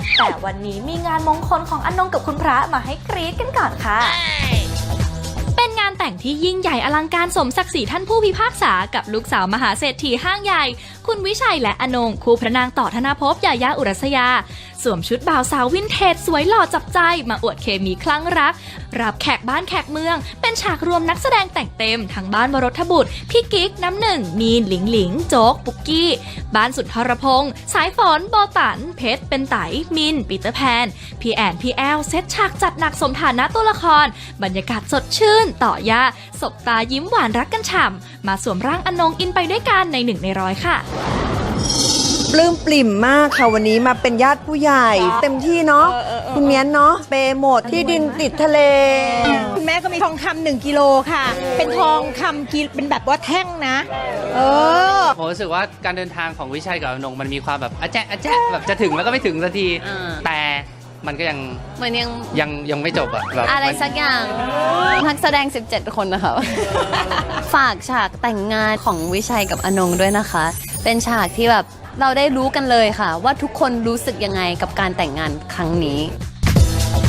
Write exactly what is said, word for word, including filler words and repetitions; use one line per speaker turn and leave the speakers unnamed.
แต่วันนี้มีงานมงคลของอนงกับคุณพระมาให้กรี๊ดกันก่อนค่ะเป็นงานแต่งที่ยิ่งใหญ่อลังการสมศักดิ์ศรีท่านผู้พิพากษากับลูกสาวมหาเศรษฐีห้างใหญ่คุณวิชัยและอนงคู่พระนางต่อธนภพยายาอุรัสยาสวมชุดบ่าวสาววินเทจสวยหล่อจับใจมาอวดเคมีคลั่งรักรับแขกบ้านแขกเมืองเป็นฉากรวมนักแสดงแต่งเต็มทั้งบ้านวรทบุตรพี่กิ๊กน้ำหนึ่งมีนหลิงหลิงโจ๊กปุกกี้บ้านสุนทรพงษ์สายฝนโบตันเพชรเป็นไตมินปีเตอร์แพนพี่แอนพี่แอลเซตฉากจัดหนักสมฐานะตัวละครบรรยากาศสดชื่นต่อย่าสบตายิ้มหวานรักกันฉ่ำมาสวมร่างอนงอินไปด้วยกันในหนึ่งในร้อยค่ะ
ปลื้มปริ่มมากค่ะวันนี้มาเป็นญาติผู้ใหญ่เต็มที่เนาะคุณเมียนเนาะเปย์หมดที่ดินติดทะเล
คุณแม่ก็มีทองคำหนึ่งกิโลค่ะเป็นทองคำกิเป็นแบบว่าแท่งนะเออ
ผมรู้สึกว่าการเดินทางของวิชัยกับอนงมันมีความแบบอะแจ๊ะอะแจ๊ะแบบจะถึงแล้วก็ไม่ถึงสักทีแต่มันก็ยัง
มันยัง
ยังยังไม่จบอะแบบ
อะไรสักอย่างนักแสดงสิบเจ็ดคนนะคะฝากฉากแต่งงานของวิชัยกับอนงด้วยนะคะเป็นฉากที่แบบเราได้รู้กันเลยค่ะว่าทุกคนรู้สึกยังไงกับการแต่งงานครั้งนี้